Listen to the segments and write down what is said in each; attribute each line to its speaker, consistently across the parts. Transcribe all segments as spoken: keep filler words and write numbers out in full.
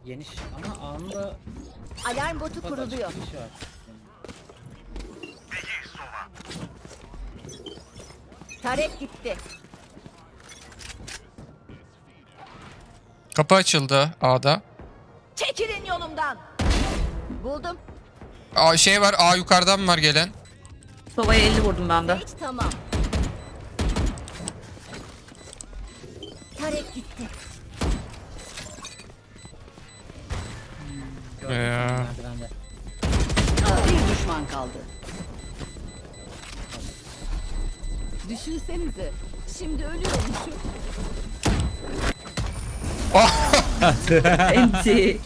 Speaker 1: Geniş ama anında
Speaker 2: Alarm botu kuruluyor. Tarek gitti.
Speaker 3: Kapı açıldı A'da.
Speaker 2: Çekilin yolumdan. Buldum.
Speaker 3: A şey var, A yukarıdan var gelen.
Speaker 4: Sova'ya elli vurdum ben de.
Speaker 2: Hiç tamam. Tarek gitti.
Speaker 3: Ya.
Speaker 2: Bir düşman kaldı. Düşünsenize. Şimdi ölüyormuşum.
Speaker 4: Enti.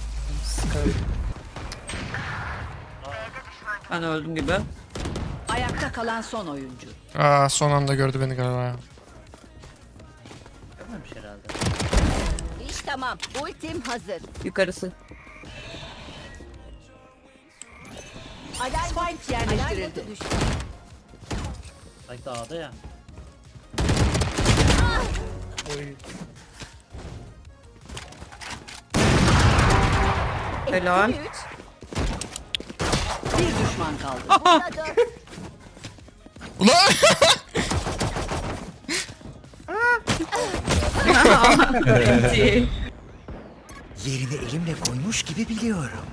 Speaker 4: Ben öldüm gibi.
Speaker 2: Ayakta kalan son oyuncu.
Speaker 3: Aa, son anda gördü beni galiba.
Speaker 1: Görmemiş herhalde.
Speaker 2: İş tamam. Ultim hazır.
Speaker 4: Yukarısı.
Speaker 2: Alarm Spike yerleştirildi. Alarm düştü.
Speaker 1: Sanki dağda ya.
Speaker 4: Helal.
Speaker 2: Eksi üç. Bir düşman kaldı. Burada dört.
Speaker 3: Ulan!
Speaker 4: Enti.
Speaker 5: Yerini elimle koymuş gibi biliyorum.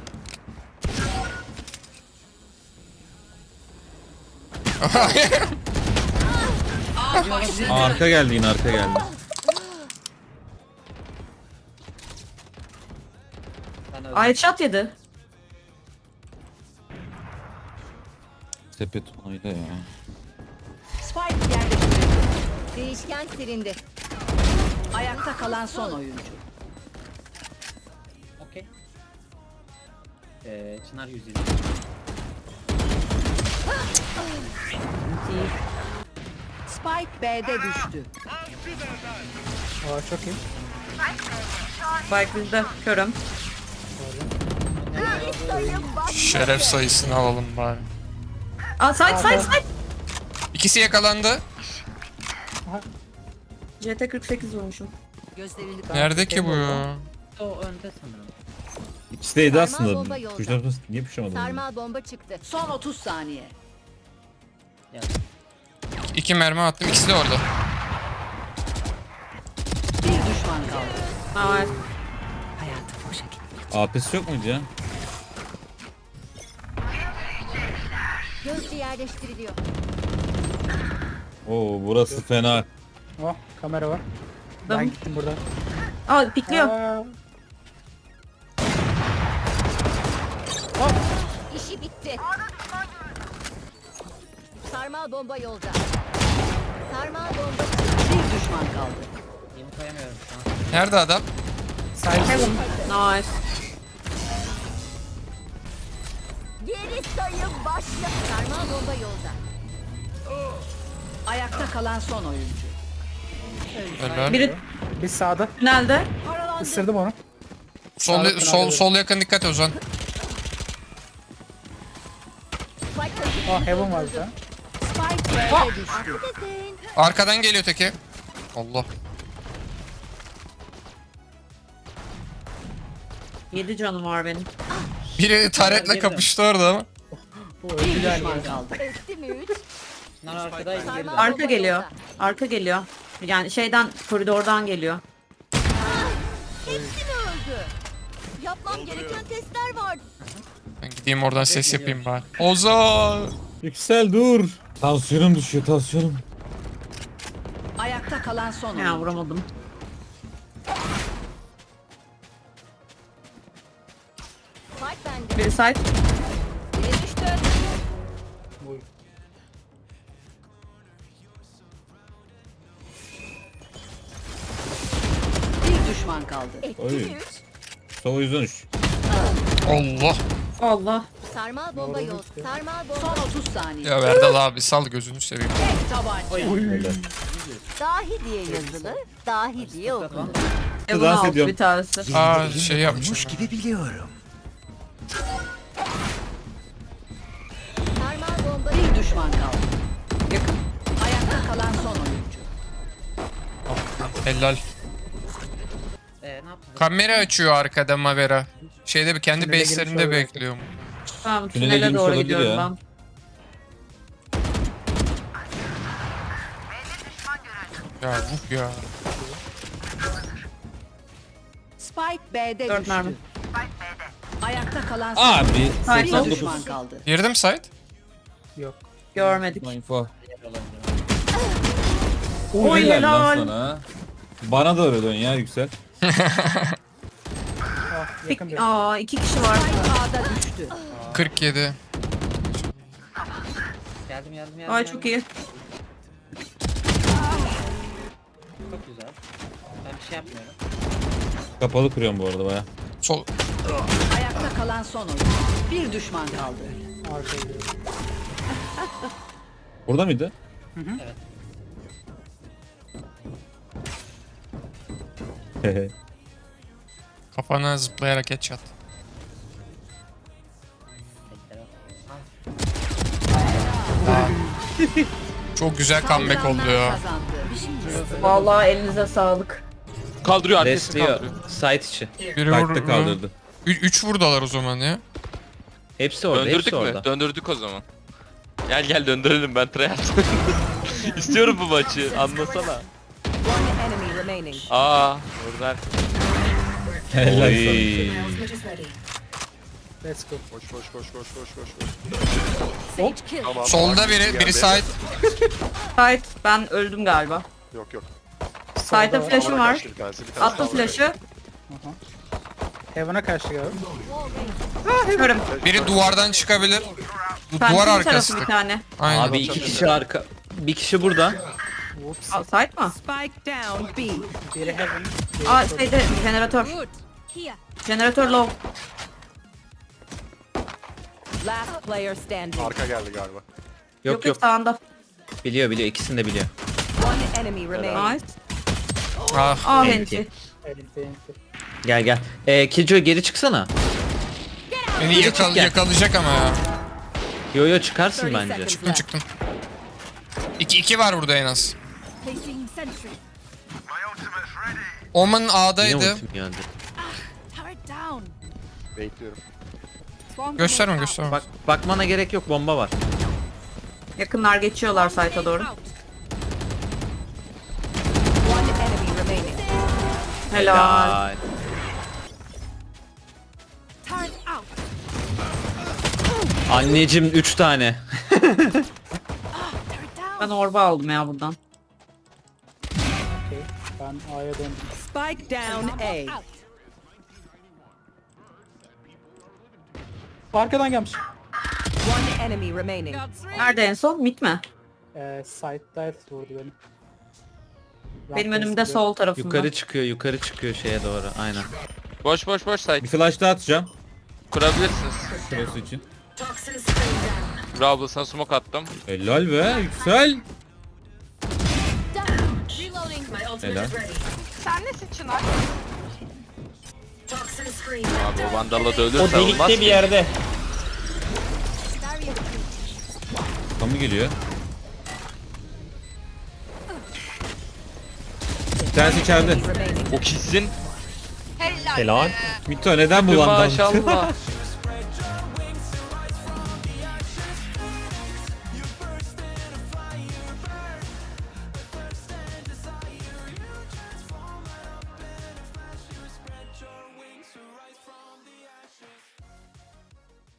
Speaker 6: Arka geldi yine arka geldi.
Speaker 1: Ben öldüm.
Speaker 4: Ay chat yedi.
Speaker 6: Sepet onayla ya.
Speaker 2: Spike yerleştirildi. Değişken silindi. Ayakta kalan son oyuncu.
Speaker 1: Okey. Ee, Çınar yüz yedi.
Speaker 2: Spike B'de düştü.
Speaker 7: Aa çok iyi.
Speaker 4: Spike bizde. Körüm.
Speaker 3: Şeref sayısını alalım bari.
Speaker 4: Aa side side side.
Speaker 3: İkisi yakalandı.
Speaker 4: C T kırk sekiz vurmuşum.
Speaker 2: Gözlerini
Speaker 3: Nerede ki bu ya?
Speaker 1: O önde sanırım.
Speaker 6: İkisi de yedi
Speaker 2: Sarmal
Speaker 6: aslında.
Speaker 2: bomba yolda.
Speaker 6: Kuşlar niye puşamadın?
Speaker 2: Sarmal bomba çıktı. Son otuz saniye.
Speaker 1: Yani
Speaker 3: İki mermi attım, ikisi de orada.
Speaker 2: Bir düşman kaldı.
Speaker 4: Aa,
Speaker 2: Hayatım boşa gitti.
Speaker 6: A P'si yok muydu ya?
Speaker 2: Gözcü yerleştiriliyor.
Speaker 6: Oo burası fena.
Speaker 7: Oh kamera var. Ben
Speaker 4: Adam.
Speaker 7: gittim buradan.
Speaker 4: Aa pikliyor.
Speaker 7: Aa,
Speaker 2: İşi bitti. Sarmal bomba yolda. Sarmal bomba çıktı. Bir düşman kaldı.
Speaker 1: yeni koyamıyorum şu an.
Speaker 3: Nerede adam?
Speaker 4: Heaven. Nice.
Speaker 2: Geri sayım başla. Sarmal bomba yolda. Ayakta kalan son oyuncu.
Speaker 3: Helal.
Speaker 4: Biri
Speaker 7: biz sağda.
Speaker 4: tünelde.
Speaker 7: Isırdım onu.
Speaker 3: Sol,
Speaker 7: Sağlıklı
Speaker 3: sol,
Speaker 7: nerede?
Speaker 3: sol yakın dikkat Ozan.
Speaker 2: Spike taşı
Speaker 7: Aa heaven var bir tane.
Speaker 2: Spike B'de düştü.
Speaker 3: Arkadan geliyor teki. Allah.
Speaker 4: Yedi canım var benim.
Speaker 3: Biri taretle kapıştı orada ama.
Speaker 7: Bu
Speaker 2: Bir
Speaker 7: öldü
Speaker 2: düşman
Speaker 7: galiba.
Speaker 2: kaldı. Etti mi üç?
Speaker 1: Çınar arkadaydı geride.
Speaker 2: Sarmal
Speaker 4: Arka
Speaker 2: bomba
Speaker 4: geliyor.
Speaker 2: yolda.
Speaker 4: Arka geliyor. Yani şeyden koridordan geliyor.
Speaker 2: Hepsi mi öldü? Yapmam gereken testler var.
Speaker 3: Ben gideyim oradan ses yapayım bari. Ozan!
Speaker 6: Yüksel dur. Tansiyonum düşüyor tansiyonum.
Speaker 2: Ayakta kalan son
Speaker 4: Ya
Speaker 2: oyuncu.
Speaker 4: vuramadım.
Speaker 2: Spike bende.
Speaker 4: Biri side.
Speaker 2: Biri düştü. Bir düşman kaldı. Etti
Speaker 6: Oy.
Speaker 2: mi üç?
Speaker 6: Sova yüzden üç.
Speaker 3: Allah!
Speaker 4: Allah.
Speaker 2: Sarmal bomba yol. Sarmal bomba. Son otuz saniye.
Speaker 3: Ya Verdal abi sal gözünü seveyim.
Speaker 2: Tek tabanca.
Speaker 6: Öyle.
Speaker 2: Dahi diye yazılır. Dahi diye okunur.
Speaker 4: Heaven
Speaker 6: dans
Speaker 4: altı
Speaker 6: ediyorum.
Speaker 4: bir tanesi.
Speaker 3: Aa,
Speaker 5: Yerini
Speaker 3: şey
Speaker 5: elimle
Speaker 3: yapmışım
Speaker 5: koymuş
Speaker 3: ben.
Speaker 5: gibi biliyorum.
Speaker 2: Sarmal bomba. Bir düşman kaldı.
Speaker 4: Yakın.
Speaker 2: Ayakta kalan son oyuncu.
Speaker 3: Helal.
Speaker 1: Ee, ne yaptın?
Speaker 3: Kamera açıyor arkada Mavera. Şeyde bir kendi
Speaker 7: Tünele girmiş
Speaker 3: base'lerinde
Speaker 7: olabilir.
Speaker 3: bekliyor.
Speaker 4: Tamam
Speaker 6: Tünele
Speaker 4: tünele
Speaker 6: girmiş
Speaker 4: doğru
Speaker 6: olabilir
Speaker 4: gidiyorum
Speaker 6: ya.
Speaker 4: ben.
Speaker 3: Ya bu ya.
Speaker 8: Spike B'de
Speaker 4: Dört
Speaker 8: düştü.
Speaker 4: mermi.
Speaker 8: Ayakta kalan son
Speaker 6: Abi
Speaker 4: Hayır,
Speaker 8: bir
Speaker 6: seksen dokuz.
Speaker 8: düşman kaldı.
Speaker 3: Girdim site.
Speaker 7: Yok.
Speaker 4: Görmedik.
Speaker 6: Info.
Speaker 4: Oy,
Speaker 6: Helal
Speaker 4: helal.
Speaker 6: lan sana. Bana da öyle dön ya Yüksel.
Speaker 7: Ah, yakın bir.
Speaker 4: Aa iki kişi var.
Speaker 8: Spike A'da düştü.
Speaker 3: kırk yedi.
Speaker 1: Geldim geldim geldim.
Speaker 4: Ay
Speaker 1: geldim.
Speaker 4: çok iyi.
Speaker 1: Çok güzel. Ben bir şey yapmıyorum.
Speaker 6: Kapalı kuruyorum bu arada baya.
Speaker 3: Sol.
Speaker 8: Ayakta kalan son oyuncu. Bir düşman kaldı.
Speaker 7: Arkaya gidiyor.
Speaker 6: Burada mıydı?
Speaker 1: Evet.
Speaker 3: Kafana zıplayarak headshot.
Speaker 1: Bekle.
Speaker 3: Çok güzel comeback oldu ya.
Speaker 8: Kazandı.
Speaker 4: Vallahi elinize sağlık.
Speaker 9: Kaldırıyor arkasını
Speaker 10: Resliyor.
Speaker 9: kaldırıyor.
Speaker 10: Site içi.
Speaker 3: Biri
Speaker 6: Kalpte
Speaker 3: vurdu.
Speaker 6: kaldırdı.
Speaker 3: üç vurdalar o zaman ya.
Speaker 10: Hepsi orada.
Speaker 9: Döndürdük
Speaker 10: hepsi
Speaker 9: mü?
Speaker 10: orada.
Speaker 9: Döndürdük o zaman. Gel gel döndürelim ben tryhard. İstiyorum bu maçı anlasana.
Speaker 8: One enemy remaining.
Speaker 9: Aa orada
Speaker 6: Helal sana.
Speaker 10: Oy.
Speaker 7: Let's go.
Speaker 11: Koş koş koş koş koş koş. koş.
Speaker 8: Sage kill.
Speaker 11: Tamam.
Speaker 3: Solda biri, biri side.
Speaker 4: Sait ben öldüm galiba.
Speaker 11: Yok yok.
Speaker 4: Sait'e
Speaker 7: var.
Speaker 4: flash'ım
Speaker 11: Havana
Speaker 4: var.
Speaker 11: kaçtı bir tanesi, bir tanesi
Speaker 4: Attım
Speaker 11: havana
Speaker 4: flash'ı.
Speaker 7: Heaven'a karşı galiba.
Speaker 4: Körüm.
Speaker 3: Biri duvardan çıkabilir. Du-
Speaker 4: Pencerenin
Speaker 3: duvar
Speaker 4: tarafı
Speaker 3: arkası.
Speaker 4: bir tane.
Speaker 3: Aynen.
Speaker 10: Abi iki kişi arka. Bir kişi burada.
Speaker 7: Whoops.
Speaker 4: Aa, Sait mi?
Speaker 8: Spike down B.
Speaker 7: Biri Heaven.
Speaker 4: Aa şeyde jeneratör.
Speaker 8: Good. Here.
Speaker 4: Jeneratör low.
Speaker 8: Last player standing.
Speaker 11: Arka geldi galiba.
Speaker 10: Yok yok.
Speaker 4: Sağında.
Speaker 10: Biliyor biliyor. İkisini de biliyor.
Speaker 8: One enemy remaining.
Speaker 4: Nice.
Speaker 3: Ah.
Speaker 4: Aa
Speaker 10: Enti.
Speaker 4: henti.
Speaker 7: Enti enti.
Speaker 10: Gel gel. Ee, Killjoy geri çıksana.
Speaker 3: Beni yakal
Speaker 10: gel.
Speaker 3: yakalayacak ama ya.
Speaker 10: Yo yo çıkarsın
Speaker 8: thirty
Speaker 10: bence.
Speaker 8: seconds
Speaker 3: Çıktım
Speaker 8: left.
Speaker 3: çıktım. İki, iki var burada en az.
Speaker 8: Placing sentry.
Speaker 3: Omen
Speaker 10: Yine
Speaker 3: A'daydı.
Speaker 10: ultim geldi.
Speaker 8: Turret down.
Speaker 11: Bekliyorum.
Speaker 8: Swarm
Speaker 3: Gösterme
Speaker 8: grenade
Speaker 3: gösterme.
Speaker 10: Bak bakmana gerek yok. Bomba var.
Speaker 4: Yakınlar geçiyorlar Sait'e doğru.
Speaker 8: out. One enemy remaining.
Speaker 4: Helal.
Speaker 10: Helal.
Speaker 8: Turret out.
Speaker 10: Anneciğim üç tane.
Speaker 8: Turret down.
Speaker 4: Ben orba aldım ya buradan.
Speaker 7: Okey. Ben A'ya döndüm.
Speaker 8: Spike down A.
Speaker 7: Arkadan gelmiş.
Speaker 8: One enemy remaining.
Speaker 4: Nerede en son? Mid mi?
Speaker 7: Ee, side dive vurdu beni.
Speaker 4: Benim
Speaker 7: Rampage
Speaker 4: önümde
Speaker 7: gidiyor.
Speaker 4: sol tarafında.
Speaker 10: Yukarı çıkıyor yukarı çıkıyor şeye doğru. Aynen.
Speaker 9: boş boş boş site
Speaker 6: Bir flash daha atacağım.
Speaker 9: kurabilirsiniz.
Speaker 6: Şurası için.
Speaker 9: Bravo sana smoke attım.
Speaker 6: Helal be Yüksel. Helal.
Speaker 9: Abi o vandalla da ölürse olmaz ki.
Speaker 10: yerde.
Speaker 6: Kamu geliyor. Bir tanesi içeride.
Speaker 9: O kesin.
Speaker 10: Helal.
Speaker 6: Mito neden bulandın?
Speaker 9: Maşallah.